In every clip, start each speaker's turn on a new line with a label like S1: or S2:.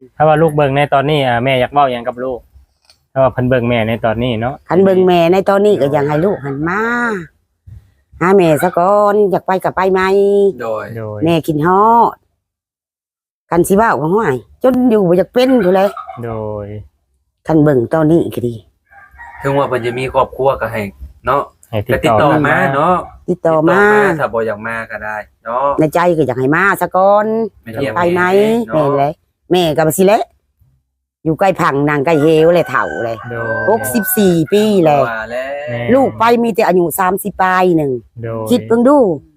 S1: ถ้าว่าลูกเบิ่งในตอนนี้แม่อยากเว้าหยังกับลูกถ้าว่าเพิ่นเบิ่งแม่ในตอนนี้เนาะ
S2: คันเบิ่งแม่ในตอนนี้ก็ยังให้ลูกหันมาหาแม่ซะก่อนอยากไปก็ไปไหม
S3: โดย
S2: แม่กินฮอดกันสิเว้าก็ห้วยจนอยู่บ่อยากเป็นพู่นแหละ
S1: โดย
S2: คันเบิ่งตอนนี้ก็ดี
S3: ถึงว่าเพิ่นจะมีครอบครัวก็ให้เนาะ
S1: ให้
S3: ก็ติดต่อมาเนาะ
S2: ติดต่อมา
S3: ถ้าบ่อยากมาก็ได้เนาะ
S2: ในใจก็อยากให้มาซะก่อนไปไหมแม่นแหละแม่ก็บ่สิแหละอยู่ใกล้ผังนางใกล้เฮวเลยเฒ่าเลย64ปีแล้วลูกไปมีแต่อายุ30ปลายนึงคิดเบิ่งดู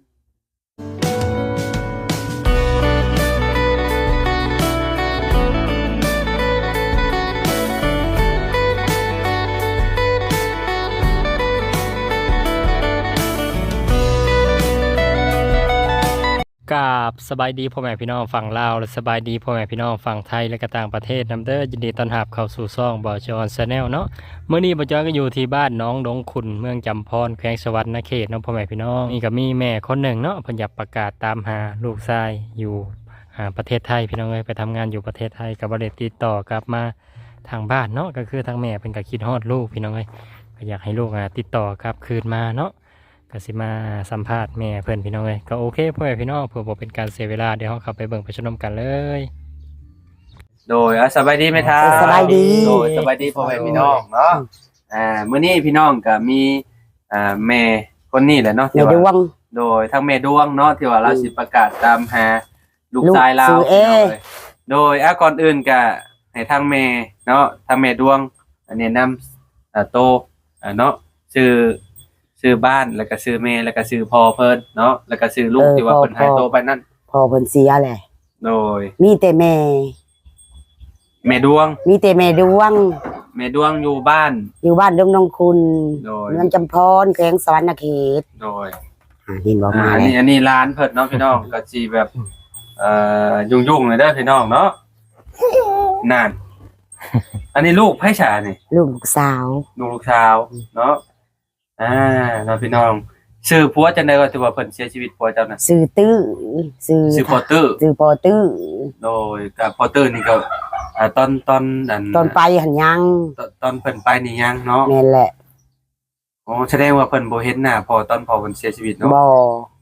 S1: กับสบายดีพ่อแม่พี่น้องฝั่งลาวและสบายดีพ่อแม่พี่น้องฝั่งไทยและก็ต่างประเทศนำเด้อยินดีต้อนรับเข้าสู่ช่องบ่อจอนชาแนลเนาะเมื่อนี้บ่อจอนก็อยู่ที่บ้านน้องดงขุนเมืองจำพรแขวงสวรรณเขตเนาะพ่อแม่พี่น้องนี่ก็มีแม่คนหนึ่งเนาะเพิ่นอยากประกาศตามหาลูกชายอยู่ประเทศไทยพี่น้องเอ้ยไปทำงานอยู่ประเทศไทยก็บ่ได้ติดต่อกลับมาทางบ้านเนาะก็คือทางแม่เพิ่นก็คิดฮอดลูกพี่น้องเอ้ยก็อยากให้ลูกติดต่อกลับคืนมาเนาะก็สิมาสัมภาษณ์แม่เพื่อนพี่น้องเลยก็โอเคพ่อแม่พี่น้องเพื่อบ่เป็นการเสียเวลาเดี๋ยวเราเข้าไปเบิ่งไปชมกันเลย
S3: โดยสบายดีไหมท่า
S2: สบายดี
S3: โดยสบายดีพ่อแม่พี่น้องเนาะมื้อนี้พี่น้องก็มีแม่คนนี้แหละเนาะที่ว่าโดยทั้งแม่ดวงเนาะที่ว่าเราสิประกาศตามหาลูกชายเราโดยก่อนอื่นก็ให้ทั้งแม่เนาะทั้งแม่ดวงแนะนำโตเนาะชื่อบ้านแล้วก็ชื่อแม่แล้วก็ชื่อพ่อเพิ่นเนาะแล้วก็ชื่อลูกที่ว่าเพิ่นหายตัวไปนั่น
S2: พ่อเพิ่นเสียแหละ
S3: โดย
S2: มีแต่แ
S3: ม่ดวง
S2: มีแต่แม่ดวง
S3: อยู่บ้าน
S2: ดงนองคุณเมืองจำพรแขวงสวรรณเขต
S3: โดย
S2: เห็นบ่มา
S3: อันนี้ร้านเพิ่นเนาะพี่น้องก็สิแบบยุ่งๆเลยเด้อพี่น้องเนาะนั่นอันนี้ลูกไผฉานี่
S2: ลูกสาว
S3: เนาะเราพี่น้องชื่อผัวจังได๋ก็ถือว่าเพิ่นเสียชีวิตผัวเจ้าน่ะ
S2: ชื่อตื้อ
S3: ชื่อพอตื้อโดยกับพอตื้อนี่ก็ตอน
S2: ไปหันยัง
S3: ตอนเพิ่นไปนี่ยังเนาะ
S2: แม่นแหละ
S3: อ๋อแสดงว่าเพิ่นบ่เห็นหน้าพอตอนพอเพิ่นเสียชีวิตเนาะ
S2: บ่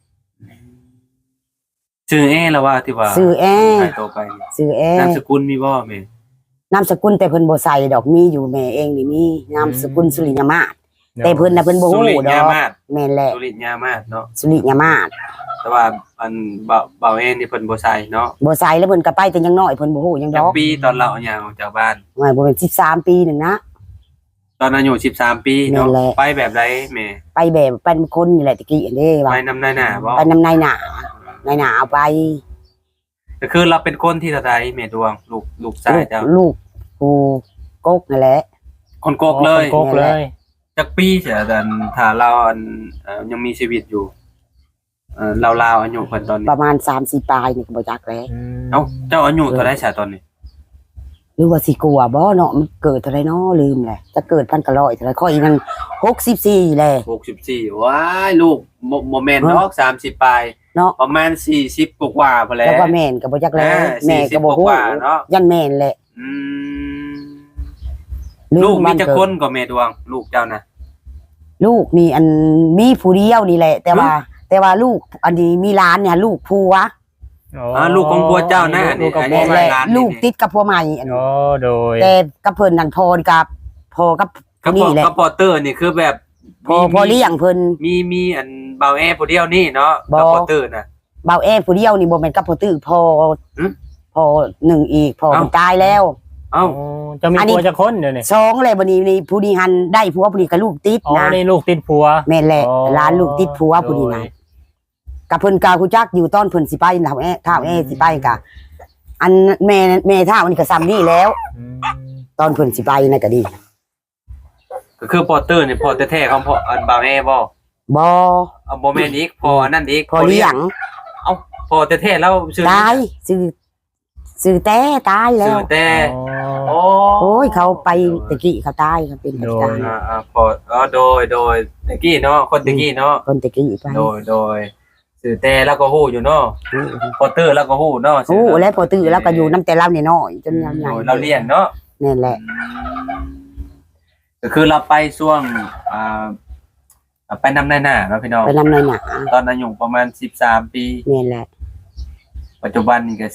S3: ชื่อแล้วว่าที่ว่า
S2: ชื่อ
S3: หายตัวไป
S2: ชื่อน
S3: ามสกุลมีบ่แม่
S2: นามสกุลแต่เพิ่นบ่ใส่ดอกมีอยู่แม่เองนี่มีนามสกุลสุริยมาศแต่เพิ่นน่ะเพิ่นบ่ฮู้ดอกแม่นแหละ
S3: สุริยามาศเนาะ
S2: สุริยมาศ
S3: แต่ว่าอันเบาเองนี่เพิ่นบ่ใส่เนาะ
S2: บ่ใส่แล้วเพิ่นก็ไปแต่ยังน้อยเพิ่นบ่ฮู้ยังดอก
S3: ปีตอนเราเอาหยังออกจากบ้าน
S2: ว่าบ่เป็น13ปีนึงนะ
S3: ตอนอายุ13ปีเนาะไปแบบใดแม่
S2: ไปแบบเป็นคนนี่แหละตะกี้เด้
S3: ว่าไปนำนายหน้าบ่
S2: ไปนำนายหน้าเอาไป
S3: ก็คือเราเป็นคนที่เท่าใดแม่ดวงลูกชายเจ้า
S2: ลูกกูกกนั่นแหละ
S3: คนกกเลยจักปีเสียแต่ถ้าเรายังมีชีวิตอยู่ราวๆอายุเพิ่นตอนนี้
S2: ประมาณ 3-4 ปลายนี่ก็บ่จักแล้ว
S3: เอ้าเจ้าอายุเท่าใดซะตอนนี้
S2: หรือว่าสิกลัวบ่เนาะมันเกิดเท่าไรเนาะลืมแหละจะเกิด1,900เท่าไรข้ออีกนั่น64แหละ
S3: 64ว้ายลูกบ่แม่นดอก30ปลาย
S2: เนาะ
S3: ประมาณ40กว่าๆพุ่นแหละ
S2: แล้วก็แม่นก็บ่จักแล้วแม่ก็บ่ฮู้
S3: เนาะ
S2: ยันแม่นแหละ
S3: ลูกมีจักคนก็แม่ดวงลูกเจ้านะ
S2: ลูกนี่อันมีผู้เดียวนี่แหละแต่ว่าลูกอันนี้มีหลานเนี่ยลูกผัว
S3: ลูกของผัวเจ้านะ
S2: นี่ลูกติดกับผัวใหม่อัน
S1: โดย
S2: แต่กับเพิ่นนั่นพอกับนี่แหละ
S3: กับพอเตอร์นี่คือแบบ
S2: พอเลี้ยงเพิ่น
S3: มีอันเบาแอผู้เดียวนี่เนาะกับพอเตอร์น่ะ
S2: เบาแอผู้เดียวนี่บ่แม่นกับพอตื้อพอหนึ่งอีกพอตายแล้ว
S1: จะมีผัวจะคนเดี๋ยวนี้
S2: 2เลยบัดนี้ผู้นี้หันได้ผัวผู้นี้ก็ลูกติดนะ
S1: นี่ลูกติดผัว
S2: แม่นแหละหลานลูกติดผัวผู้นี้นะกับเพิ่นกาคูจักอยู่ตอนเพิ่นสิไปเท่าสิไปกะอันแม่เท่านี่ก็ซ้ำนี่แล้วตอนเพิ่นสิไปนั่นก็ดี
S3: ก็คือพอเตอร์นี่พอแท้ๆของพ่ออันบ่าวแม่บ่บ่แม่นอีกพออันนั้นอีก
S2: พอเลี้ยง
S3: พอแท้ๆแล้ว
S2: ตายซื้อแต่ตายแล้ว
S3: ซื้อแต่
S2: โอ้ยเขาไปตะกี้เขาตายเขาเป็นเหตุการณ์
S3: พอโดยตะกี้เนาะคนตะกี้เนาะ
S2: คนตะกี้ไป
S3: โดยสื่อแต่แล้วก็ฮู้อยู่เนาะพอตื้อแล้วก็ฮู้เนาะ
S2: โอ้แล้วพอตื้อแล้วก็อยู่น้ำแต่เราเนี่ยน้อยจนใหญ่
S3: เราเลี้ยงเนาะ
S2: นั่นแหละ
S3: ก็คือเราไปช่วงไปนำในหน้าเนาะพี่น้อง
S2: ไปนำในหนา
S3: ตอนอายุประมาณ13 ปี
S2: นี่แหละ
S3: ปัจจุบันนี่ก็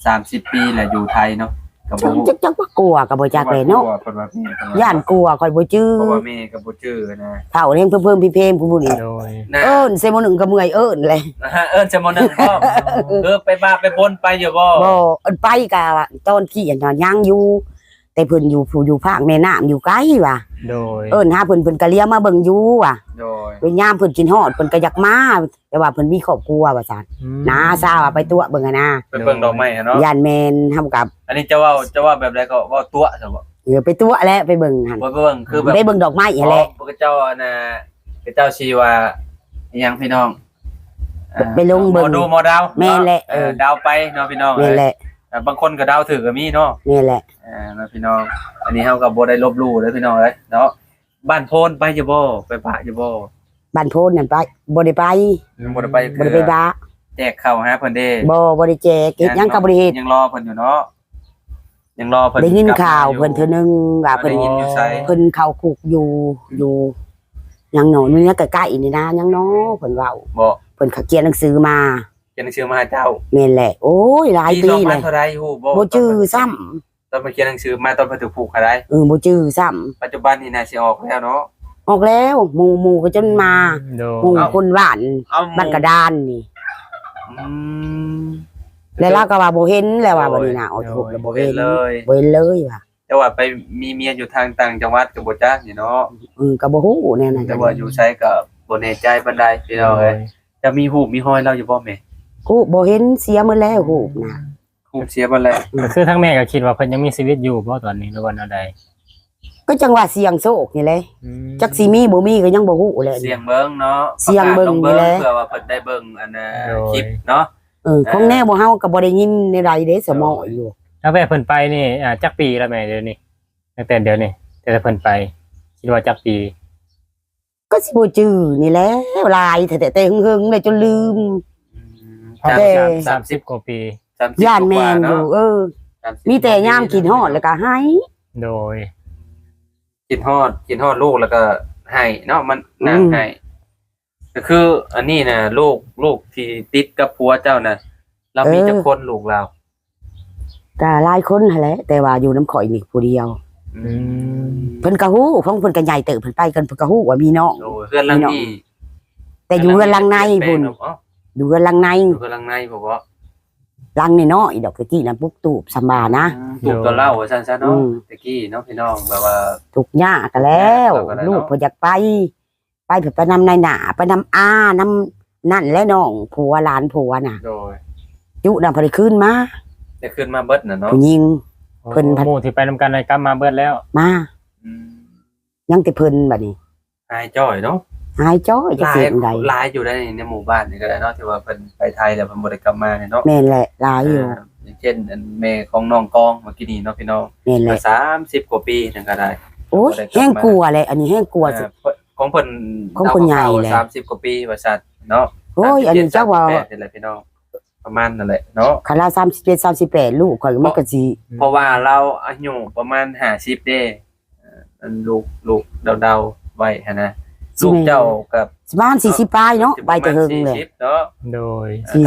S3: 30 ปีแหละอยู่ไทยเนาะกับบ่ฮู้
S2: จักว่ากลัวกับบ่จักเลยเนาะ
S3: เพิ่นว่าแม่เพิ่นว่า
S2: ย่านกลัวคอยบ่จื้อ
S3: เพราะว่าแม่ก็บ่จื้อนะ
S2: เฒ่าเลี้ยงเพิ่มพี่เพมผู้บุญนี่
S1: โดย
S3: นะ
S2: เอิ้นเซโมหนึ่งก็เมื่อยเอิ้นเลย
S3: เอิ้นจะมนึงพ่อไปบ้าไปบนไปอยู่บ่
S2: บ่เอิ้นไปกะตอนขี้อันนั้นยังอยู่ แต่เพิ่นอยู่ภาคแม่น้ำอยู่ไกลว่ะ
S1: โดย
S2: เอิ้นหาเพิ่นก็เลี้ยงมาเบิ่งอยู่ว่ะ
S3: โดย
S2: เวลายามเพิ่นกินฮอดเพิ่นก็อยากมาแต่ว่าเพิ่นมีครอบครัวว่าซั่นน้าซาว่าไปตัวเบิ่งอะนะ
S3: ไปเบิ่งดอกไม้อะเนาะ
S2: ย่านแม่นทำกับ
S3: อันนี้จะว่าแบบใดก็ว่าตัวซะบ่
S2: ไปตัวแล้วไปเบิ่งหั่น
S3: บ่เบิ่งคือแบบ
S2: ไปเบิ่งดอกไม้หั่นแหละ
S3: พระเจ้าน่ะพระเจ้าชีว่าอิหยังพี่น้อง
S2: ไปลงเบิ่ง
S3: หมอดูหมอดาว
S2: แม่นแหละ
S3: ดาวไปเนาะพี่น้อง
S2: นี่แหละ
S3: บางคนก็ดาวถือก็มีเนาะ
S2: นี่แหละ
S3: เนาะพี่น้อง อันนี้เฮาก็บ่ได้ลบหลู่เด้อพี่น้องเอ้ยเนาะบ้านโพนไปอยู่บ่ไปปะอยู่บ่
S2: บ้านโพนนั่นไปบ่ได้ไป
S3: บ่ได้ไป
S2: บ่ได้ไปบ้า
S3: แจกข้าวหาเพิ่นเด้
S2: บ่ได้แจกเฮ็ดหยังก็บ่ได้เฮ็ด
S3: ยังรอเพิ่นอยู่เนาะยังรอเพิ่น
S2: ได้ยิน
S3: กลับม
S2: ข่าว
S3: อยู่
S2: เพิ่นเทื่อนึงว่าเพิ่น
S3: ได้ยินอยู่ไส
S2: เพิ่นเข้าคุกอยู่ยังหนอนี่นะใกล้ๆนี่นะยังเนาะเพิ่นเว้า
S3: บ่
S2: เพิ่นเขาเขียนหนังสือมา
S3: เขียนหนังสือมาหาเจ้า
S2: แม่นแหละ โอ้ยหลายปี
S3: สอง
S2: เล
S3: พัน
S2: ย
S3: เท่าใดฮู้บ่
S2: บ่จื้อซ้ำ
S3: ตอนมาเขียนหนังสือมาตอนเพิ่นถูกผูกเท่าใด
S2: บ่จื้อซ้ำ
S3: ปัจจุบันนี่น่าสิออกแล้วเนาะ
S2: ออกแล้วหมู่ก็จนมา
S1: โด
S2: หมู่
S1: ย
S2: คนหวาน
S3: เอา
S2: บ้านกระดานนี่
S3: อืม
S2: แล้วเราก็ว่าบ่เห็นแล้วว่าบัดนี้น่ะออกคุกแล้วบ่
S3: บ่
S2: เห็
S3: เห็
S2: น
S3: นเลย
S2: บ่เห็นเลยว่ะ
S3: แต่ว่าไปมีเมียอยู่ทางต่างจังหวัดก็บ่จักนี่เนาะ
S2: ก็บ่ฮู้แน่น่ะ
S3: แต่ว่าอยู่ไสก็บ่แน่ใจปานใดพี่น้องเอ้ยจะมีรูปมีห้อยเราอยู่บ่แม่
S2: ฮู้บ่เห็นเสียหมดแล้วฮู้น่ะ
S3: รูปเสียบ่แล้ว
S1: ก็คือทั้งแม่ก็คิดว่าเพิ่นยังมีชีวิตอยู่บ่ตอนนี้หรือว่าแนวใด
S2: ก็จังว่าเสียงโชคนี่แหละจักสิมีบ่มีก็ยังบ่ฮู้เลย
S3: เสียงเบิ่งเนาะ
S2: เสียงเบิ่ง
S3: ประกาศล
S2: นี่แหละ
S3: เพื่อว่าเพิ่นได้เบิ่งอันน่ะคลิปเนาะ
S2: ของแน่บ่เฮาก็บ่ได้ยินในใดเด้สมออยู่
S1: แล้วแม่เพิ่นไปนี่จักปีแล้วแม่เดี๋ยวนี้ตั้งแต่เดี๋ยวนี้แต่เพิ่นไปคิดว่าจักปี
S2: ก็สิบ่จื้อนี่แหละหลายแต่หึงๆเลยจนลืม
S3: สาม
S2: แต่
S1: 30กว่าปี
S3: 30
S2: ย่านแม่นอยู่
S3: 30
S2: มีแต่ยามกินฮอดแล้วก็ให้
S1: โดย
S3: กินฮอดลูกแล้วก็ให้เนาะมันน่าให้ก็คืออันนี้น่ะลูกที่ติดกับผัวเจ้าน่ะเรามีจักคนลูกเรา
S2: ก็หลายคนหั่นแหละแต่ว่าอยู่น้ำข่อยนี่ผู้เดียว เพิ่นก็ฮู้ของเพิ่นก็ใหญ่เติบเพิ่นไปกันเพิ่นก็ฮู้ว่ามีน้อง
S3: โอ้เพื่อนหลังนี้
S2: แต่อยู่เรือนหลังในพุ่น
S3: อ๋อ
S2: อยู่เรือนหลังใน
S3: อยู่เพื่อนหลังในผมว่า
S2: หลังน้อยๆดอกตะกี้น่ะปุ๊กตูบสำบานะ
S3: ถูกตัวเล่าว่าซั่นๆ
S2: อื
S3: เนาะ
S2: ม
S3: ตะกี้เนาะพี่น้องแบบว่า
S2: ทุกข์ยากก็แล้ว
S3: ก็ได้เนาะ
S2: ลูกเพิ่นอยากไปเพิ่นไปนำนายหน้าไปนำอานํนั่นและน้องผัวหลานผัวน่ะ
S3: โดย
S2: ยุนำเพิ่นได้คืนมา
S3: ได้ขึ้นมาเบิดน่ะเนาะ
S2: ผู้หญิง เพิ่
S1: เพิ่
S2: น
S1: นหมู่ที่ไปนำกันในกลับมาเบิดแล้ว
S2: มา
S3: อืม
S2: ยังแต่เพิ่นบัดนี้
S3: หายจ้อยเนาะ
S2: หายจ้อยจะ
S3: หลา
S2: เสี
S3: ย
S2: ยงใด
S3: หลายอยู่ในหมู่บ้านนี่ก็ได้เนาะที่ว่าเพิ่นไปไทยแล้วเพิ่นบ่ได้กลับมาเนี่ยเนาะ
S2: แม่นแหละหลายอยู่
S3: อย่างเช่นอันแม่ของน้องกองเมื่อกี้นี้เนาะพี่น้อง
S2: แม่นแหละ
S3: 30 กว่าปีนั่นก็ได้
S2: โอ้ยแห้งกลัวเลยอันนี้แห้งกลัวสิ
S3: ของเพิ่น
S2: ของเพิ่นใหญ่แหละ
S3: 30 กว่าปีว่าซั่นเนาะ
S2: โอ้ยอันนี้เจ้าว่า
S3: 38นี่แหละพี่น้องประมาณนั่นแหละเนาะ
S2: คารา37 38ลูกข่อยมันก็สิ
S3: เพราะว่าเราอายุประมาณ50เด้อันลูกเดาๆไว้หั่นนะลูกเจ้ากับ
S2: สิบ้าน40ปลายเนาะไปแต่เฮิงเลย
S3: 40เนาะ
S1: โดย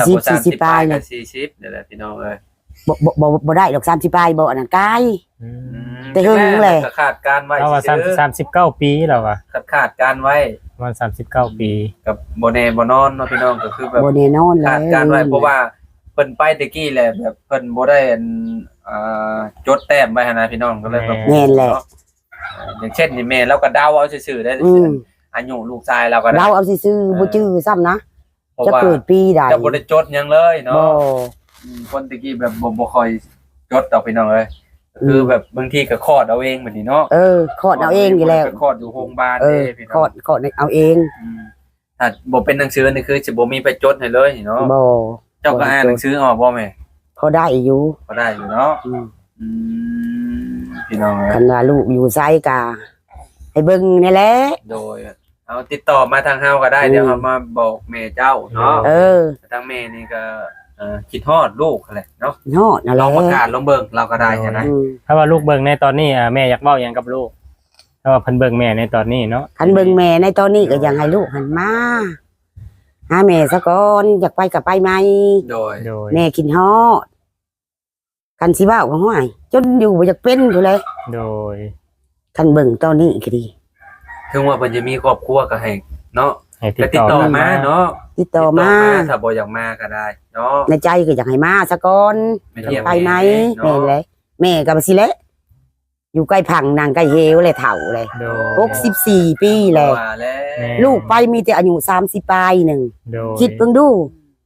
S2: 40 ปลายเลย
S3: 40นี่แหละพี่น้องเอ้ย
S2: บ่ได้ดอก30ปลายบ่อันนั้นกาย
S1: อืม
S2: แต่เฮิงเลย
S3: ก็ขาดการไว้
S1: เราว่า
S3: ซื่อ
S1: 39ปีแล้วว่ะ
S3: ขาดการไว้
S1: ประมาณ39ปี
S3: กับบ่แน่บ่นอนเนาะพี่น้องก็คือแบบ
S2: บ่แน่นอนแล้
S3: ขาดการไว้เพราะว่าเพิ่นไปตะกี้แหละแบบเพิ่นบ่ได้อันจดแต้มไว้หั่นนะพี่น้องก็เลยแบบ
S2: แม่นแหละ
S3: อย่างเช่นนี่แม่เราก็เดาเอาซื่อๆได้
S2: อืม
S3: อายุลูกชายเราก็ได้
S2: เราเอาซื่อๆบ่จื้อซ้ำนะ
S3: เพราะ
S2: จะ
S3: ว่า
S2: เกิดปีใด
S3: จะบ่ได้จดหยังเลยเนาะ
S2: บ่
S3: คนตะกี้แบบบ่ค่อยจดดอกพี่น้องเอ้ยคือแบบบางทีก็คลอดเอาเองแบบนี้เนาะ
S2: คลอดเอาเองอยู่แล้ว
S3: ไปคลอดอยู่โรงพยาบาล
S2: เอ
S3: เด้
S2: อ
S3: พี่
S2: ค
S3: น้
S2: ล
S3: อ
S2: อง ดเอาเอง
S3: ถ้าบ่เป็นหนังสือนี่คือสิบ่มีไปจดให้เลยเนาะ
S2: บ่
S3: เจ้าก็อ่านหนังสือออกบ่แม่
S2: พอได้อยู่
S3: ก็ได้อยู่เนาะ
S2: อืม
S3: อืมพี่น้องเอ้
S2: คั
S3: ย
S2: นว่าลูกอยู่ไสกะให้เบิ่งนี่แหละ
S3: โดยเอาติดต่อมาทางเฮาก็ได้เดี๋ยวเฮามาบอกแม่เจ้าเนาะ ทางแม่นี่ก็คิดฮอดลูกแหละเนาะ
S2: ฮอดนั่นแห
S3: ล
S2: ละ
S3: องประกาศลองเบิ่งเราก็ได้ใช่ไหม
S1: ถ้าว่าลูกเบิ่งในตอนนี้แม่อยากเว้าหยังกับลูกถ้าว่าเพิ่นเบิ่งแม่ในตอนนี้เนาะ
S2: คันเบิ่งแม่ในตอนนี้ก็ยังให้ลูกหันมาหาแม่ซะก่อนอยากไปก็ไปไหม
S3: โดย
S1: โดย
S2: แม่คิดฮอดคันสิเว้าก็ห้วยจนอยู่บ่อยากเป็นอยู่เลย
S1: โดย
S2: คันเบิ่งตอนนี้ก็ดี
S3: ถึงว่าเพิ่นจะมีครอบครัวก็ให้เนาะ
S1: ให้ติ
S3: ก็
S1: ด
S3: ติด
S1: ต่
S3: ต่
S1: อ
S3: อ
S1: มา
S3: มาเนาะ
S2: ติดต่อมา
S3: ถ้าบ่อยากมาก็ได้เนาะ
S2: ในใจก็อยากให้มาซะก่อน
S3: ไม่เที่ยง
S2: ไปไหม
S3: เนาะ
S2: แม่นเลยแม่ก็บ่สิแหละอยู่ใกล้พังนางใกล้เฮวเลยเฒ่าเลย
S1: โดย
S2: 64ปีแล้ว
S3: ว่าแล้ว
S1: แม่
S2: ลูกไปมีแต่อายุ30ปลายหนึง
S1: โดย
S2: คิดเบิ่งดู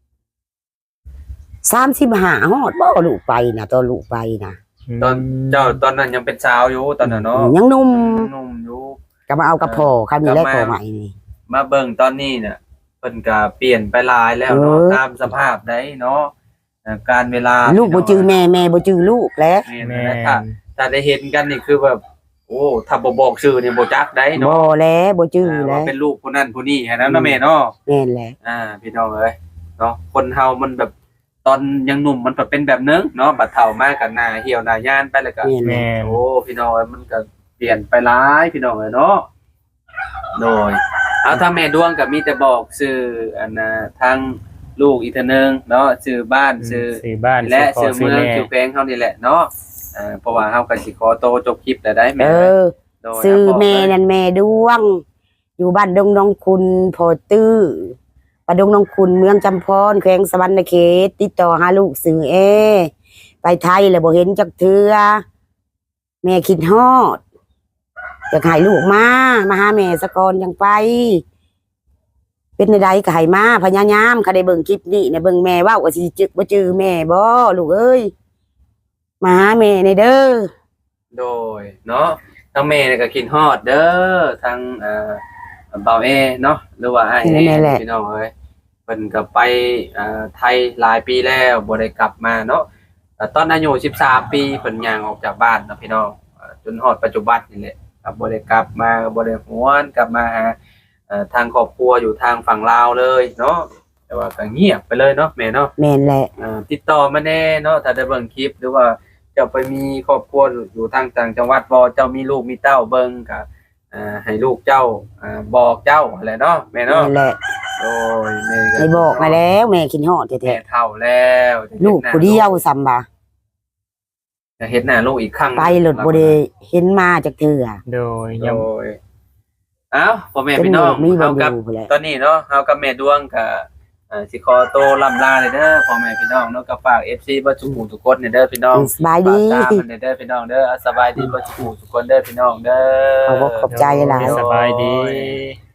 S2: 35ฮอดบ่ลูกไปนะตอนลูกไปนะ
S3: ตอนเจ้าตอนนั้นยังเป็นสาวอยู่ตอนนั้นเนาะ
S2: ยังหนุ่ม
S3: หนุ่มอยู่
S2: ก็มาเอากับพ่อคำนี้แหละ
S3: กลับมา
S2: พ่อใหม่นี่
S3: มาเบิ่งตอนนี้เนี่ยเพิ่นก็เปลี่ยนไปหลายแล้วเนาะ
S2: เออ
S3: ตามสภาพได้เนาะการเวลา
S2: ลูกบ่จื้อแม่แม่บ่จื้อลูกแล้ว
S3: แม่
S1: แม่
S3: นะถ้าได้เห็นกันนี่คือแบบโอ้ถ้าบ่บอกชื่อนี่บ่จักได้
S2: บ่
S3: เนาะ
S2: แล้วบ่จื้อแล้
S3: ว่าว เป็นลูกผู้นั้นผู้นี้แค่นั้นเนาะแม่เนาะ
S2: แม่นแหละ
S3: พี่น้องเอ้ยเนาะคนเฮามันแบบตอนยังหนุ่มมันก็เป็นแบบนึงเนาะบัดเฒ่ามาก็หน้าเหี่ยวหน้าย่านไปแล้วก็
S2: แม่นแหละ
S1: แม่
S3: โอ้พี่น้องเอ้ยมันก็เปลี่ยนไปหลายพี่น้องเอ้ยเนาะโดยเอาถ้าแม่ดวงก็มีแต่บอกชื่ออันน่ะทางลูกอีกเทื่อนึงเนาะชื่อบ้านชื่อ
S1: ซื้อบ้าน
S3: และ
S1: ซื้
S3: ชื่
S1: อ
S3: อ
S1: พ่อ
S3: เมือง
S1: ซื้อแม่
S3: ชื่อแพงเฮานี่แหละเนาะเพราะว่าเฮาก็สิขอโตวจบคลิปแล้วได้แม่
S2: เออ
S3: โดย
S2: ซื้อ
S3: บอก
S2: แม่
S3: เลย
S2: นั่นแม่ดวง อยู่บ้านดงน้องคุณโพตื้อบ้านดงน้องคุณเมืองจำพรแขวงสวรรณเขตติดต่อหาลูกซื้อไปไทยแล้วบ่เห็นจักเทื่อแม่คิดฮอดอยากให้ลูกมาหาแม่สะก่อนยังไป เป็นใดๆก็ให้มาพยายามค่ะได้เบิ่งคลิปนี้เนี่ยเบิ่งแม่เว้าก็สิจึกบ่จื้อแม่บ่ลูกเอ้ยมาหาแม่ในเด้อ
S3: โดยเนาะทางแม่เนี่ยก็คิดฮอดเด้อทางเบาเอเนาะหรือว่าไอ้
S2: นั่นแหละ
S3: พี่น้องเอ้ยเพิ่นก็ไปไทยหลายปีแล้วบ่ได้กลับมาเนาะตอนอายุ13ปีเพิ่นย่างออกจากบ้านเนาะพี่น้องจนฮอดปัจจุบันนี่แหละก็บ่ได้กลับมาบ่ได้หวนกลับมาหาทางครอบครัวอยู่ทางฝั่งลาวเลยเนาะแต่ว่าก็เงียบไปเลยเนาะแม่เนาะ
S2: แม่นแหละ
S3: ติดต่อมาแน่เนาะถ้าได้เบิ่งคลิปหรือว่าเจ้าไปมีครอบครัวอยู่ทางต่างจังหวัดบ่เจ้ามีลูกมีเต้าเบิ่งก็ให้ลูกเจ้าบอกเจ้าแหละเนาะแม่เนาะ
S2: แม่นแหละ
S3: โอ้ยแม่
S2: ให้บอกมาแล้วแม่คิดฮอด
S3: แม่
S2: แท้
S3: เฒ่าแล้ว
S2: ๆลูกผู้เดียวซ้ำบ่า
S3: จะเฮ็ดหน้าลูกอีกครั้ง
S2: ไปหลุดบ่ได้เห็นมาจากเทื่อ
S1: โดย
S3: โด
S1: ยัง
S3: ยเอ้าพ่อแม่
S2: เป็น
S3: พี่
S2: ห
S3: น้
S2: นู
S3: อง
S2: มีบ่
S3: เฮากับ
S2: อยู่พุ่นแหละ
S3: ตอนนี้เนาะเฮากับแม่ดวงก็สิขอโตวล่ำลาเลยเด้อพ่อแม่พี่น้องเนาะก็ฝาก FC บ่ทุกหมู่ทุกคนเนี่ยเด้อพี่น้อง
S2: สบายดี
S3: ฝากตามมันเด้อพี่น้องเด้อสบายดีบ่ทุกหมู่ทุกคนเด้อพี่น้องเด้อ
S2: ขอบคุณขอบใจหลาย
S1: สบายดี
S3: โอ้ย